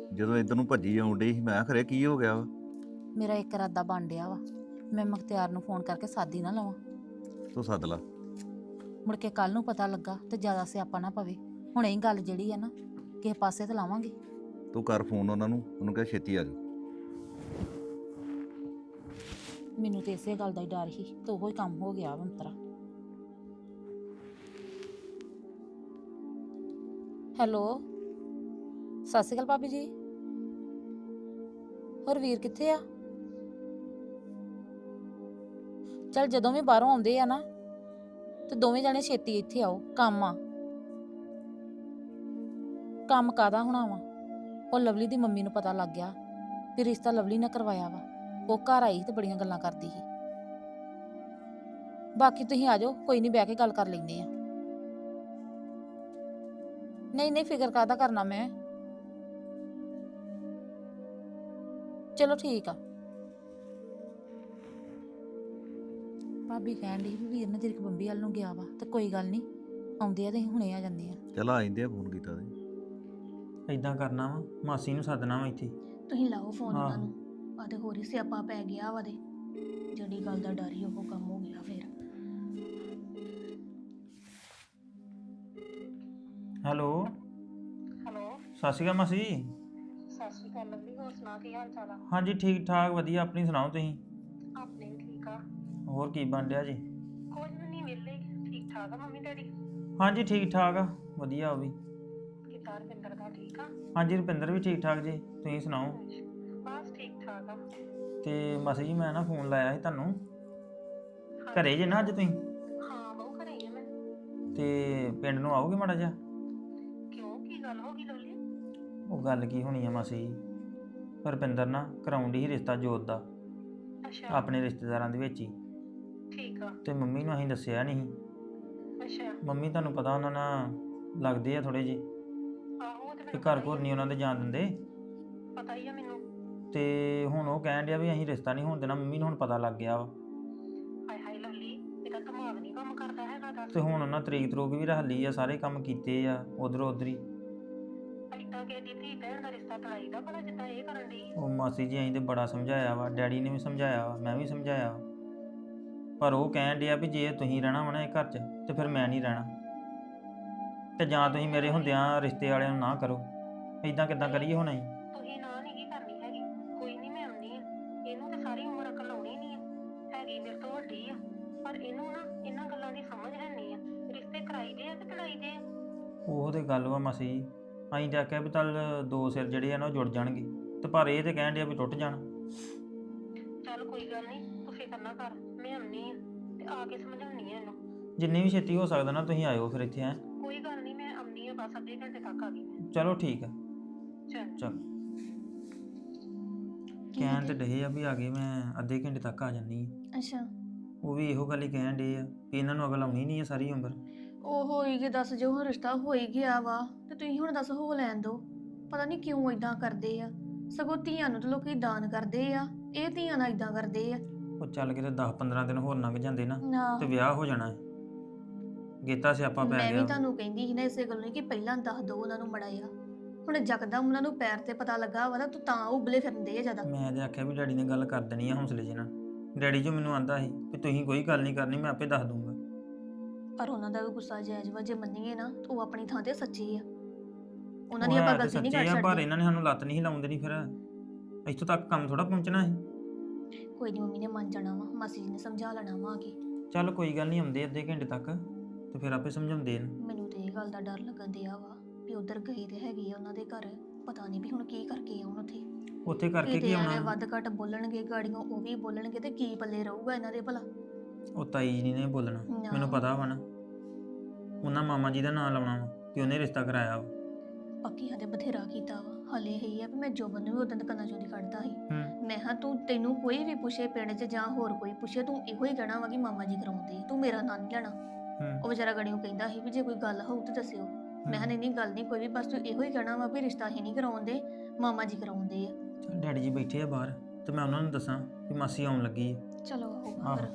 G: ਜਦੋਂ ਇੱਧਰ ਨੂੰ ਭੱਜੀ ਆਉਣ ਡਈ ਸੀ ਮੈਂ ਕਿਹਾ ਖਰੇ ਕੀ ਹੋ ਗਿਆ ਵਾ।
F: ਮੇਰਾ ਇੱਕ ਇਰਾਦਾ ਬਣ ਡਿਆ ਵਾ, ਮੈਂ ਮੁਖਤਿਆਰ ਨੂੰ ਫੋਨ ਕਰਕੇ ਸਾਦੀ ਨਾ ਲਵਾਂ,
G: ਤੂੰ ਸੱਦ ਲਾ।
F: ਮੁੜ ਕੇ ਕੱਲ ਨੂੰ ਪਤਾ ਲੱਗਾ ਤੇ ਜ਼ਿਆਦਾ ਸਿਆਪਾ ਨਾ ਪਵੇ। ਹੁਣ ਇਹ ਗੱਲ ਜਿਹੜੀ ਆ ਨਾ ਕਿਸੇ ਪਾਸੇ ਤੇ ਲਾਵਾਂਗੇ।
G: ਤੂੰ ਕਰ ਫੋਨ ਉਹਨਾਂ ਨੂੰ, ਉਹਨੂੰ ਕਹਿ ਛੇਤੀ ਆ ਜਾ।
F: ਮੈਨੂੰ ਤੇ ਇਸੇ ਗੱਲ ਦਾ ਹੀ ਡਰ ਸੀ ਤੇ ਉਹੋ ਹੀ ਕੰਮ ਹੋ ਗਿਆ ਵੰਤਰਾ। ਹੈਲੋ, ਸਤਿ ਸ਼੍ਰੀ ਅਕਾਲ ਭਾਬੀ ਜੀ। ਹੋਰ ਵੀਰ ਕਿੱਥੇ ਆ? ਚਲ ਜਦੋਂ ਵੀ ਬਾਹਰੋਂ ਆਉਂਦੇ ਆ ਨਾ ਤੇ ਦੋਵੇਂ ਜਣੇ ਛੇਤੀ ਇੱਥੇ ਆਓ, ਕੰਮ ਆ। ਕੰਮ ਕਾਦਾ ਹੋਣਾ ਵਾ? ਉਹ ਲਵਲੀ ਦੀ ਮੰਮੀ ਨੂੰ ਪਤਾ ਲੱਗ ਗਿਆ ਵੀ ਰਿਸ਼ਤਾ ਲਵਲੀ ਨੇ ਕਰਵਾਇਆ ਵਾ। ਉਹ ਘਰ ਆਈ ਤੇ ਬੜੀਆਂ ਗੱਲਾਂ ਕਰਦੀ ਸੀ। ਬਾਕੀ ਤੁਸੀਂ ਆ ਜਾਓ, ਕੋਈ ਨਹੀਂ, ਬਹਿ ਕੇ ਗੱਲ ਕਰ ਲੈਂਦੇ ਆ। ਨਹੀਂ ਨਹੀਂ, ਫਿਕਰ ਕਾਹਦਾ ਕਰਨਾ ਮੈਂ। ਚਲੋ ਠੀਕ ਆ। ਭਾਬੀ ਕਹਿਣ ਡਈ ਵੀ ਵੀਰ ਨੇ ਤੇਰੀ ਬੰਬੀ ਵੱਲ ਨੂੰ ਗਿਆ ਵਾ, ਤੇ ਕੋਈ ਗੱਲ ਨਹੀਂ, ਆਉਂਦੇ ਆ ਤੇ ਅਸੀਂ ਹੁਣੇ ਆ ਜਾਂਦੇ ਆ।
G: ਚੱਲ ਆ ਜਾਂਦੇ ਆ, ਫੋਨ ਕੀਤਾ ਤੇ।
C: ਇਦਾਂ ਕਰਨਾ ਵਾ, ਮਾਸੀ ਨੂੰ ਸੱਦਣਾ ਵਾ ਇੱਥੇ।
D: ਤੁਸੀਂ ਲਾਓ ਫੋਨ
C: ਆਹੋ।
D: ਉਹਨਾਂ ਨੂੰ। ਆ ਤੇ ਹੋਰ ਹੀ ਸਿਆਪਾ ਪੈ ਗਿਆ ਵਾ ਦੇ, ਜਿਹੜੀ ਗੱਲ ਦਾ ਡਰ ਹੀ ਉਹ ਕੰਮ ਹੋ ਗਿਆ ਫਿਰ।
C: ਹੈਲੋ
H: ਹੈਲੋ,
C: ਸਤਿ ਸ਼੍ਰੀ ਅਕਾਲ ਮਾਸੀ।
H: ਸਤਿ ਸ਼੍ਰੀ ਅਕਾਲ ਲਵਲੀ, ਹੋਰ ਸੁਣਾ ਕੀ ਹਾਲ ਚਾਲ ਆ?
C: ਹਾਂਜੀ ਠੀਕ ਠਾਕ ਵਧੀਆ, ਆਪਣੀ ਸੁਣਾਓ ਤੁਸੀਂ?
H: ਆਪਣੇ ਵੀ ਠੀਕ ਆ।
C: ਹੋਰ ਕੀ ਬਣ ਰਿਹਾ ਜੀ?
H: ਕੁਝ ਵੀ ਨਹੀਂ, ਵਿਹਲੇ। ਠੀਕ ਠਾਕ ਆ ਮੰਮੀ ਡੈਡੀ?
C: ਹਾਂਜੀ ਠੀਕ ਠਾਕ ਆ, ਵਧੀਆ ਉਹ ਵੀ।
H: ਕਿੱਦਾਂ ਰਵਿੰਦਰ ਦਾ ਠੀਕ ਆ?
C: ਹਾਂਜੀ ਰੁਪਿੰਦਰ ਵੀ ਠੀਕ ਠਾਕ ਜੀ, ਤੁਸੀਂ ਸੁਣਾਓ?
H: ਬਸ ਠੀਕ ਠਾਕ ਆ।
C: ਤੇ ਮਾਸੀ ਜੀ ਮੈਂ ਨਾ ਫੋਨ ਲਾਇਆ ਸੀ ਤੁਹਾਨੂੰ, ਘਰੇ ਜੇ ਨਾ ਅੱਜ ਤੁਸੀਂ?
H: ਹਾਂ ਬਹੁ ਘਰੇ ਹੀ ਆ ਮੈਂ।
C: ਤੇ ਪਿੰਡ ਨੂੰ ਆਓਗੇ ਮਾੜਾ ਜਿਹਾ?
H: ਕਿਉਂ, ਕੀ ਗੱਲ ਹੋ ਗਈ ਲਵਲੀ?
C: ਉਹ ਗੱਲ ਕੀ ਹੋਣੀ ਆ ਮਾਸੀ ਜੀ, ਰੁਪਿੰਦਰ ਨਾ ਕਰਾਉਣ ਡਈ ਸੀ ਰਿਸ਼ਤਾ ਜੋਤ ਦਾ
H: ਅੱਛਾ
C: ਆਪਣੇ ਰਿਸ਼ਤੇਦਾਰਾਂ ਦੇ ਵਿੱਚ ਹੀ।
H: ਠੀਕ ਆ।
C: ਤੇ ਮੰਮੀ ਨੂੰ ਅਸੀਂ ਦੱਸਿਆ ਨਹੀਂ।
H: ਅੱਛਾ
C: ਮੰਮੀ ਤੁਹਾਨੂੰ ਪਤਾ ਉਹਨਾਂ ਨਾਲ ਲੱਗਦੇ ਆ ਥੋੜੇ ਜਿਹੇ,
H: ਆਹੋ, ਉਹ ਤੇ
C: ਤੇ
H: ਮੈਨੂੰ
C: ਘਰ
H: ਪਤਾ
C: ਘਰ
H: ਹੀ
C: ਨਹੀਂ ਉਹਨਾਂ ਦੇ ਜਾਣ ਦਿੰਦੇ।
H: ਆ, ਪਤਾ ਹੀ ਆ ਮੈਨੂੰ।
C: ਤੇ ਹੁਣ ਉਹ ਕਹਿਣ ਡਿਆ ਵੀ ਅਸੀਂ ਰਿਸ਼ਤਾ ਨਹੀਂ ਹੋਣ ਦੇਣਾ। ਮੰਮੀ ਨੂੰ ਹੁਣ ਪਤਾ ਲੱਗ ਗਿਆ ਵਾ,
H: ਹਾਏ ਹਾਏ ਲਵਲੀ, ਇਹਦਾ ਦਿਮਾਗ ਨਹੀਂ ਕੰਮ ਕਰਦਾ ਹੈਗਾ ਦੱਸ।
C: ਤੇ ਹੁਣ ਉਹਨਾਂ ਤਰੀਕ ਤਰੂਕ ਵੀ ਰੱਖ ਲਈ ਆ, ਸਾਰੇ ਕੰਮ ਕੀਤੇ ਆ ਉਧਰੋਂ ਉਧਰ ਹੀ।
H: ਏਦਾਂ ਕਿ ਦੀ ਧੀ ਭੈਣ ਦਾ ਰਿਸ਼ਤਾ ਤੜਾਈ ਦਾ ਭਲਾ ਜਿੱਦਾਂ ਇਹ ਕਰਨ ਦੀ।
C: ਉਹ ਮਾਸੀ ਜੀ ਅਸੀਂ ਤੇ ਬੜਾ ਸਮਝਾਇਆ ਵਾ, ਡੈਡੀ ਨੇ ਵੀ ਸਮਝਾਇਆ ਵਾ, ਮੈਂ ਵੀ ਸਮਝਾਇਆ ਵਾ, ਪਰ ਉਹ ਕਹਿਣ ਡਿਆ ਵੀ ਜੇ ਤੁਸੀਂ ਰਹਿਣਾ ਵਾ ਨਾ ਇਹ ਘਰ 'ਚ ਤੇ ਫਿਰ ਮੈਂ ਨਹੀਂ ਰਹਿਣਾ, ਤੇ ਜਾਂ ਤੁਸੀਂ ਮੇਰੇ ਹੁੰਦਿਆਂ ਰਿਸ਼ਤੇ ਵਾਲਿਆਂ ਨੂੰ ਨਾ ਕਰੋ। ਇਦਾਂ ਕਿੱਦਾਂ ਕਰੀਏ ਹੁਣ ਅਸੀਂ?
H: ਤੁਸੀਂ ਨਾ ਨਹੀਂ ਕੀ ਕਰਨੀ ਹੈਗੀ, ਕੋਈ ਨਹੀਂ, ਮੈਂ ਆਉਂਦੀ ਆ। ਇਹਨੂੰ ਤੇ ਸਾਰੀ ਉਮਰ ਅਕਲ ਆਉਣੀ ਨਹੀਂ ਆ, ਹੈਗੀ ਮੇਰੇ ਤੋਂ ਵੱਡੀ ਆ, ਪਰ ਇਹਨੂੰ ਨਾ ਇਹਨਾਂ ਗੱਲਾਂ ਦੀ ਸਮਝ ਹੈ ਨਹੀਂ ਆ। ਰਿਸ਼ਤੇ ਕਰਾਈ ਦੇ ਆ ਕਿ ਤੜਾਈ ਦੇ ਆ?
C: ਉਹ ਤੇ ਗੱਲ ਵਾ ਮਾਸੀ ਜੀ, ਅਸੀਂ ਤਾਂ ਆਖਿਆ ਵੀ ਚੱਲ ਦੋ ਸਿਰ ਜਿਹੜੇ ਆ ਨਾ ਉਹ ਜੁੜ ਜਾਣਗੇ, ਤੇ ਪਰ ਇਹ ਤੇ ਕਹਿਣ ਡਿਆ ਵੀ ਟੁੱਟ ਜਾਣ।
H: ਚੱਲ ਕੋਈ ਗੱਲ ਨਹੀਂ, ਤੂੰ ਫਿਕਰ ਨਾ ਕਰ, ਮੈਂ ਆਉਂਦੀ ਆ ਤੇ ਆ ਕੇ ਸਮਝਾਉਣੀ ਆ ਇਹਨੂੰ।
C: ਜਿੰਨੀ ਵੀ ਛੇਤੀ ਹੋ ਸਕਦਾ ਨਾ ਤੁਸੀਂ ਆਇਓ ਫਿਰ ਇੱਥੇ। ਹੈ
H: ਕੋਈ ਗੱਲ ਨਹੀਂ, ਮੈਂ ਆਉਂਦੀ ਆ, ਬਸ ਅੱਧੇ ਘੰਟੇ ਤੱਕ ਆ ਗਈ ਮੈਂ।
C: ਚਲੋ ਠੀਕ ਆ।
H: ਚੱਲ
C: ਚਲ ਕਹਿਣ ਤੇ ਡਏ ਆ ਵੀ ਆ ਗਏ, ਮੈਂ ਅੱਧੇ ਘੰਟੇ ਤੱਕ ਆ ਜਾਨੀ ਆ।
D: ਅੱਛਾ,
C: ਉਹ ਵੀ ਇਹੋ ਗੱਲ ਹੀ ਕਹਿਣ ਡੇ ਆ ਵੀ ਇਹਨਾਂ ਨੂੰ ਅਗਲ ਆਉਣੀ ਨਹੀਂ ਹੈ ਸਾਰੀ ਉਮਰ।
D: ਉਹ ਹੋਈ ਗਿਆ, ਦੱਸ, ਜੋ ਹੁਣ ਰਿਸ਼ਤਾ ਹੋ ਹੀ ਗਿਆ ਵਾ ਤੇ ਤੁਸੀਂ ਹੁਣ ਦੱਸ ਹੋ ਲੈਣ ਦੋ। ਪਤਾ ਨਹੀਂ ਕਿਉਂ ਇਦਾਂ ਕਰਦੇ ਆ, ਸਗੋਂ ਧੀਆਂ ਨੂੰ ਤਾਂ ਲੋਕੀ ਦਾਨ ਕਰਦੇ ਆ, ਇਹ ਧੀਆਂ ਨਾਲ ਇਦਾਂ ਕਰਦੇ ਆ।
C: ਉਹ ਚੱਲ ਕੇ ਦਸ ਪੰਦਰਾਂ ਦਿਨ ਹੋਰ ਲੰਘ ਜਾਂਦੇ ਨਾ
D: ਨਾ,
C: ਤੇ ਵਿਆਹ ਹੋ ਜਾਣਾ ਹੈ। ਗੇਤਾ ਸਿਆਪਾ ਪੈ
D: ਮੈਂ ਵੀ
C: ਗਿਆ।
D: ਤੁਹਾਨੂੰ ਕਹਿੰਦੀ ਸੀ ਨਾ ਇਸੇ ਗੱਲ ਨੂੰ ਕਿ ਪਹਿਲਾਂ ਦੱਸ ਦੋ ਉਹਨਾਂ ਨੂੰ ਮੜਾਇਆ। ਹੁਣ ਜਕਦਮ ਉਹਨਾਂ ਨੂੰ ਪੈਰ ਤੇ ਪਤਾ ਲੱਗਾ ਵਾ ਨਾ, ਤੂੰ ਤਾਂ ਉਬਲੇ ਫਿਰਦੇ ਆ ਜ਼ਿਆਦਾ।
C: ਮੈਂ ਤੇ ਆਖਿਆ ਵੀ ਡੈਡੀ ਨੇ ਗੱਲ ਕਰ ਦੇਣੀ ਆ ਹੌਸਲੇ ਜਿਹੇ ਨਾਲ। ਡੈਡੀ ਜੋ ਮੈਨੂੰ ਆਂਦਾ ਸੀ ਵੀ ਤੁਸੀਂ ਕੋਈ ਗੱਲ ਨਹੀਂ ਕਰਨੀ, ਮੈਂ ਆਪੇ ਦੱਸ ਦੂੰਗਾ।
D: ਪਰ ਉਹਨਾਂ ਦਾ ਵੀ ਗੁੱਸਾ ਜਾਇਜ਼ ਵਾ, ਜੇ ਮੰਨੀਏ ਨਾ ਤਾਂ ਉਹ ਆਪਣੀ ਥਾਂ ਤੇ ਸੱਚੇ ਆ, ਉਹਨਾਂ ਦੀ
C: ਉਹ
D: ਆਪਾਂ
C: ਹੈ ਤੇ
D: ਗਲਤੀ ਨਹੀਂ
C: ਸੱਚੇ
D: ਕਰ
C: ਆ, ਪਰ
D: ਸਕਦੇ।
C: ਇਹਨਾਂ ਨੇ ਸਾਨੂੰ ਲੱਤ ਨਹੀਂ ਲਾਉਣ ਦੇਣੀ। ਫਿਰ ਇੱਥੋਂ ਤੱਕ ਕੰਮ ਥੋੜਾ ਪਹੁੰਚਣਾ ਹੈ।
D: ਕੋਈ ਨਹੀਂ, ਮੰਮੀ ਨੇ ਮੰਨ ਜਾਣਾ ਵਾ, ਮਾਸੀ ਜੀ ਨੇ ਸਮਝਾ ਲੈਣਾ ਵਾ ਆ ਕੇ।
C: ਚੱਲ ਕੋਈ ਗੱਲ ਨਹੀਂ, ਆਉਂਦੇ ਅੱਧੇ ਘੰਟੇ ਤੱਕ ਤੇ ਫਿਰ ਆਪੇ ਸਮਝਾਉਂਦੇ ਨੇ।
D: ਮੈਨੂੰ ਤੇ ਇਹ ਗੱਲ ਦਾ ਡਰ ਲੱਗਣ ਦਿਆ ਵਾ ਵੀ ਉਧਰ ਗਏ ਤੇ ਹੈਗੇ ਆ ਉਹਨਾਂ ਦੇ ਘਰ, ਪਤਾ ਨਹੀਂ ਵੀ ਹੁਣ ਕੀ ਕਰਕੇ ਆਉਣ ਉੱਥੇ।
C: ਉੱਥੇ ਕਰਕੇ ਕੀ
D: ਕਿਤੇ ਐਵੇਂ
C: ਆਉਣਾ?
D: ਵੱਧ ਘੱਟ ਬੋਲਣਗੇ ਗਾੜੀਆਂ, ਉਹ ਵੀ ਬੋਲਣਗੇ ਤੇ ਕੀ ਪੱਲੇ ਰਹੂਗਾ ਇਹਨਾਂ ਦੇ ਭਲਾ।
C: ਉਹ ਤਾਈ ਜੀ ਨੇ ਬੋਲਣਾ,
D: ਨਾ।
C: ਮੈਨੂੰ ਪਤਾ ਵਾ ਨਾ। ਉਹਨਾਂ ਮਾਮਾ ਜੀ ਦਾ ਨਾਂ ਲਾਉਣਾ ਵਾ ਕਿ ਉਹਨੇ ਰਿਸ਼ਤਾ ਕਰਾਇਆ ਵਾ।
D: ਪੱਕੀ ਹਦੇ ਬਥੇਰਾ ਕੀਤਾ ਵਾ। ਹਲੇ ਇਹ ਆ ਵੀ ਮੈਂ ਜੋਬਨ ਨੂੰ ਵੀ ਉਦੋਂ ਕੰਨਾਂ ਚੋਂ ਦੀ ਕੱਢਦਾ ਸੀ।
C: ਹੂੰ
D: ਮੈਂ ਹਾਂ ਤੂੰ, ਤੈਨੂੰ ਕੋਈ ਵੀ ਪੁੱਛੇ ਪਿੰਡ 'ਚ ਜਾਂ ਹੋਰ ਕੋਈ ਪੁੱਛੇ, ਤੂੰ ਇਹੋ ਹੀ ਕਹਿਣਾ ਵਾ ਕਿ ਮਾਮਾ ਜੀ ਕਰਾਉਂਦੇ, ਤੂੰ ਮੇਰਾ ਨਾਂ ਨਹੀਂ ਲੈਣਾ।
C: ਹੂੰ
D: ਉਹ ਵਿਚਾਰਾ ਗੜੀਓ ਕਹਿੰਦਾ ਸੀ ਵੀ ਜੇ ਕੋਈ ਗੱਲ ਹੋਊ ਤਾਂ ਦੱਸਿਓ। ਮੈਂ ਹਾਂ ਨਹੀਂ ਨਹੀਂ ਗੱਲ ਨਹੀਂ ਕੋਈ ਵੀ, ਬਸ ਤੂੰ ਇਹੋ ਹੀ ਕਹਿਣਾ ਵਾ ਵੀ ਰਿਸ਼ਤਾ ਹੀ ਨਹੀਂ ਕਰਾਉਂਦੇ, ਮਾਮਾ ਜੀ ਕਰਾਉਂਦੇ ਆ।
C: ਚੱਲ ਡੈਡੀ ਜੀ ਬੈਠੇ ਆ ਬਾਹਰ, ਤੇ ਮੈਂ ਉਹਨਾਂ ਨੂੰ ਦੱਸਾਂ ਵੀ ਮਾਸੀ ਆਉਣ ਲੱਗੀ ਹੈ।
D: ਚਲੋ ਆਊਗਾ
C: ਆਹੋ।
D: ਫਿਰ।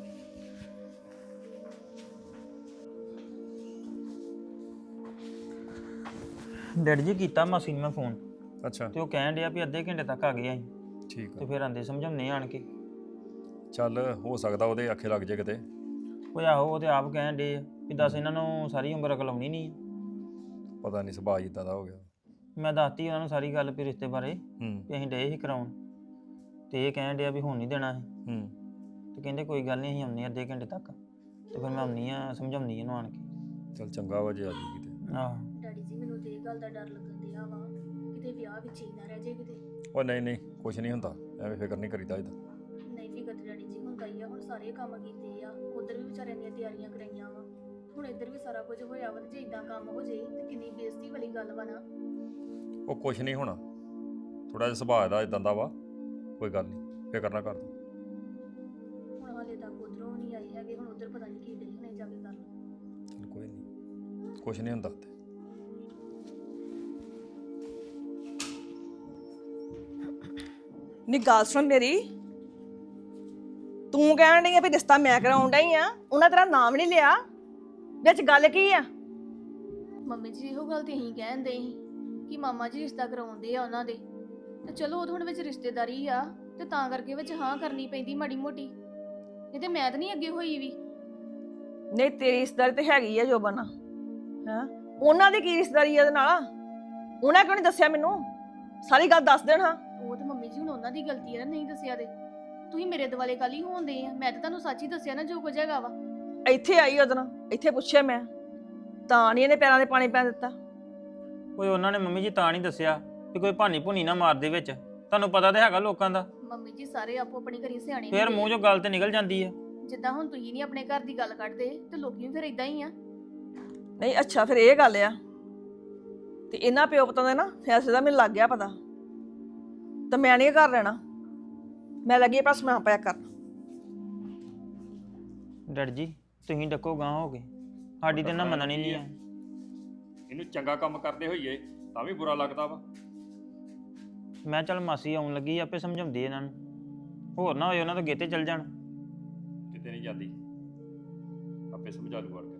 C: ਡੈਡੀ ਜੀ ਕੀਤਾ ਮਾਸੀ ਨੂੰ ਮੈਂ ਫੋਨ,
B: ਅੱਛਾ
C: ਤੇ ਉਹ ਕਹਿਣ ਡਿਆ ਵੀ ਅੱਧੇ ਘੰਟੇ ਤੱਕ ਆ ਗਏ ਅਸੀਂ
B: ਠੀਕ
C: ਤੇ
B: ਆ
C: ਫਿਰ ਆਂਦੇ ਸਮਝਾਉਣੇ ਆਣ ਕੇ।
B: ਚੱਲ ਹੋ ਸਕਦਾ ਉਹਦੇ ਆਖੇ ਲੱਗ ਜੇ ਕਿਤੇ।
C: ਉਹ ਆਹੋ ਉਹ ਤੇ ਆਪ ਕਹਿਣ ਡੇ ਆ ਵੀ ਦੱਸ ਇਹਨਾਂ ਨੂੰ ਸਾਰੀ ਉਮਰ ਅਕਲ ਆਉਣੀ ਨਹੀਂ।
B: ਪਤਾ ਨਹੀਂ ਸੁਭਾਅ ਇਦਾਂ ਦਾ ਹੋ ਗਿਆ।
C: ਮੈਂ ਦੱਸਤੀ ਉਹਨਾਂ ਨੂੰ ਸਾਰੀ ਗੱਲ ਵੀ ਰਿਸ਼ਤੇ ਬਾਰੇ
B: ਹੂੰ
C: ਵੀ ਅਸੀਂ ਡੇ ਹੀ ਕਰਾਉਣ, ਤੇ ਇਹ ਕਹਿਣ ਡਿਆ ਵੀ ਹੁਣ ਨਹੀਂ ਦੇਣਾ ਅਸੀਂ।
B: ਹੂੰ
C: ਤੇ ਕਹਿੰਦੇ ਕੋਈ ਗੱਲ ਨਹੀਂ ਅਸੀਂ ਆਉਂਦੇ ਅੱਧੇ ਘੰਟੇ ਤੱਕ, ਤੇ ਫਿਰ ਮੈਂ ਆਉਂਦੀ ਆ ਸਮਝਾਉਂਦੀ ਇਹਨੂੰ ਆਣ ਕੇ।
B: ਚੱਲ ਚੰਗਾ ਵਾ ਜੇ ਆ ਜੂਗੀ ਤੇ।
C: ਆਹੋ
D: ਡੈਡੀ ਜੀ ਮੈਨੂੰ ਤੇ ਇਹ ਗੱਲ ਦਾ ਡਰ ਲੱਗਣ ਡਿਆ ਵਾ ਕਿਤੇ ਵਿਆਹ ਵਿੱਚ ਹੀ ਨਾ ਰਹਿ ਜਾਏ ਕਿਤੇ।
B: ਉਹ ਨਹੀਂ ਨਹੀਂ ਕੁਛ ਨਹੀਂ ਹੁੰਦਾ, ਐਵੇਂ ਫਿਕਰ ਨਹੀਂ ਕਰੀਦਾ ਇਹਦਾ।
D: ਨਹੀਂ ਫਿਕਰ ਤੇ ਡੈਡੀ ਜੀ ਹੁੰਦਾ ਹੀ ਆ, ਹੁਣ ਸਾਰੇ ਕੰਮ ਕੀਤੇ ਆ, ਉਧਰ ਵੀ ਵਿਚਾਰਿਆਂ ਦੀਆਂ ਤਿਆਰੀਆਂ ਕਰਾਈਆਂ ਵਾ, ਹੁਣ ਇੱਧਰ ਵੀ ਸਾਰਾ ਕੁਝ ਹੋਇਆ ਵਾ, ਤੇ ਜੇ ਇਦਾਂ ਕੰਮ ਹੋ ਜੇ ਤੇ ਕਿੰਨੀ ਬੇਇੱਜ਼ਤੀ ਵਾਲੀ ਗੱਲ ਵਾ ਨਾ।
B: ਉਹ ਕੁਛ ਨਹੀਂ ਹੋਣਾ, ਥੋੜਾ ਜਿਹਾ ਸੁਭਾਅ ਦਾ ਇਦਾਂ ਦਾ ਵਾ, ਕੋਈ ਗੱਲ ਨਹੀਂ ਫਿਕਰ ਨਾ ਕਰ ਤੂੰ।
D: ਹੁਣ ਹਾਲੇ ਤੱਕ ਉਧਰੋਂ ਨਹੀਂ ਆਏ ਹੈਗੇ, ਹੁਣ ਉਧਰ ਪਤਾ ਨਹੀਂ ਕੀ ਡੇ ਹੁਣੇ ਜਾ ਕੇ ਕਰ।
B: ਚੱਲ ਕੋਈ ਨਹੀਂ, ਕੁਛ ਨਹੀਂ ਹੁੰਦਾ ਤੇ।
A: ਨੀ ਗੱਲ ਸੁਣ ਮੇਰੀ, ਤੂੰ ਕਹਿਣ ਡਈ ਆ ਵੀ ਰਿਸ਼ਤਾ ਮੈਂ ਕਰਾਉਣ ਡਈ ਆ, ਉਹਨਾਂ ਤੇਰਾ ਨਾਮ ਨਹੀਂ ਲਿਆ, ਵਿੱਚ ਗੱਲ ਕੀ ਆ?
D: ਮੰਮੀ ਜੀ ਇਹੋ ਗੱਲ ਤੇ ਅਸੀਂ ਕਹਿੰਦੇ ਸੀ ਕਿ ਮਾਮਾ ਜੀ ਰਿਸ਼ਤਾ ਕਰਾਉਂਦੇ ਆ ਉਹਨਾਂ ਦੇ, ਤੇ ਚਲੋ ਉਹ ਹੁਣ ਵਿੱਚ ਰਿਸ਼ਤੇਦਾਰੀ ਆ ਤੇ ਤਾਂ ਕਰਕੇ ਵਿੱਚ ਹਾਂ ਕਰਨੀ ਪੈਂਦੀ ਮਾੜੀ ਮੋਟੀ, ਨਹੀਂ ਤੇ ਮੈਂ ਤਾਂ ਨਹੀਂ ਅੱਗੇ ਹੋਈ ਵੀ।
A: ਨਹੀਂ ਤੇਰੀ ਰਿਸ਼ਤੇਦਾਰੀ ਤੇ ਹੈਗੀ ਆ ਜੋਬਨ, ਹਾਂ ਉਹਨਾਂ ਦੀ ਕੀ ਰਿਸ਼ਤੇਦਾਰੀ ਆ ਉਹਦੇ ਨਾਲ? ਉਹਨਾਂ ਕਿਉਂ ਨਹੀਂ ਦੱਸਿਆ ਮੈਨੂੰ? ਸਾਰੀ ਗੱਲ ਦੱਸ ਦੇਣ ਹਾਂ।
D: ਉਹ ਤੇ ਮੰਮੀ ਜੀ ਹੁਣ ਉਹਨਾਂ ਦੀ ਗਲਤੀ ਹੈ ਨਾ, ਨਹੀਂ ਦੱਸਿਆ ਤੇ ਤੁਸੀਂ ਮੇਰੇ ਦੁਆਲੇ ਕਾਲੀ ਹੋਂਦੇ ਆ, ਮੈਂ ਤਾਂ ਤੁਹਾਨੂੰ ਸੱਚ ਹੀ ਦੱਸਿਆ ਨਾ ਜੋ ਕੁਝ ਹੈਗਾ ਵਾ।
A: ਇੱਥੇ ਆਈ ਉਹਦੇ ਨਾਲ, ਇੱਥੇ ਪੁੱਛਿਆ ਮੈਂ, ਤਾਂ ਨਹੀਂ ਇਹਨੇ ਪੈਰਾਂ ਦੇ ਪਾਣੀ ਪੈ ਦਿੱਤਾ।
C: ਕੋਈ ਉਹਨਾਂ ਨੇ ਮੰਮੀ ਜੀ ਤਾਂ ਨਹੀਂ ਦੱਸਿਆ ਵੀ ਕੋਈ ਭਾਨੀ ਭੁਨੀ ਨਾ ਮਾਰ ਦੇ ਵਿੱਚ, ਤੁਹਾਨੂੰ ਪਤਾ ਤੇ ਹੈਗਾ ਲੋਕਾਂ ਦਾ,
D: ਮੰਮੀ ਜੀ ਸਾਰੇ ਆਪੋ ਆਪਣੀ ਘਰੀ ਸਿਆਣੇ
C: ਫੇਰ
D: ਹੁੰਦੇ
C: ਮੂੰਹ ਚੋਂ ਗੱਲ ਤੇ ਨਿਕਲ ਜਾਂਦੀ ਆ।
D: ਜਿੱਦਾਂ ਹੁਣ ਤੁਸੀਂ ਨਹੀਂ ਆਪਣੇ ਘਰ ਦੀ ਗੱਲ ਕੱਢਦੇ ਤੇ ਲੋਕੀ ਵੀ ਫਿਰ ਇਦਾਂ ਹੀ ਆ।
A: ਨਹੀਂ ਅੱਛਾ ਫਿਰ ਇਹ ਗੱਲ ਆ, ਤੇ ਇਹਨਾਂ ਪਿਓ ਪੁੱਤਾਂ ਦਾ ਨਾ ਫੈਸਲੇ ਦਾ ਮੈਨੂੰ ਲੱਗ ਗਿਆ ਪਤਾ, ਤਾਂ ਮੈਂ ਨਹੀਂ ਘਰ ਰਹਿਣਾ, ਮੈਂ ਲੱਗੀ ਆਪਣਾ ਸਮਾਨ ਪੈਕ ਕਰਨ।
C: ਡੈਡ ਜੀ ਤੁਸੀਂ ਡੱਕੋ ਗਾਂ ਹੋ ਗਏ, ਸਾਡੀ ਤੇ ਨਾ ਮੰਨਣੀ ਨਹੀਂ ਆ।
B: ਇਹਨੂੰ ਚੰਗਾ ਕੰਮ ਕਰਦੇ ਹੋਈਏ ਤਾਂ ਵੀ ਬੁਰਾ ਲੱਗਦਾ ਵਾ।
C: ਮੈਂ ਚੱਲ ਮਾਸੀ ਆਉਣ ਲੱਗੀ ਆਪੇ ਸਮਝਾਉਂਦੀ ਇਹਨਾਂ ਨੂੰ, ਹੋਰ ਨਾ ਹੋਏ ਉਹਨਾਂ ਤੋਂ ਗੇਤੇ ਚੱਲ ਜਾਣ।
B: ਕਿਤੇ ਨਹੀਂ ਜਾਂਦੀ, ਆਪੇ ਸਮਝਾ ਲੂ ਵੜ